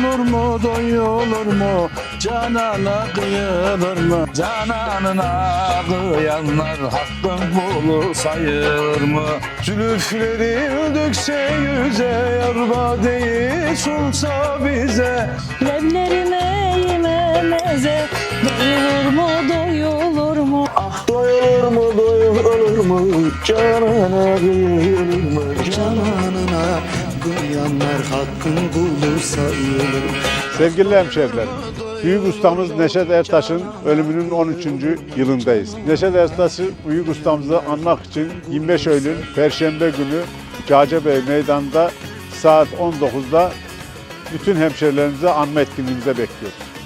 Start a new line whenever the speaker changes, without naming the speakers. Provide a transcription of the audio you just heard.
doyulur mu, doyulur mu? Canana kıyılır mı? Cananına kıyanlar hakkın kulu sayılır mı? Zülüfleri dökse yüze, yar badeyi sunsa bize.
Leblerime yememeze, doyulur mu, doyulur mu?
Ah doyulur mu, doyulur mu? Canana kıyılır mı?
Cananına kıyanlar hakkın kulu sayılır.
Sevgili hemşehrilerim, büyük ustamız Neşet Ertaş'ın ölümünün 13. yılındayız. Neşet Ertaş'ı, büyük ustamızı anmak için 25 Eylül Perşembe günü Cağcebey Meydanı'nda saat 19'da bütün hemşehrilerimizi anma etkinliğimize bekliyoruz.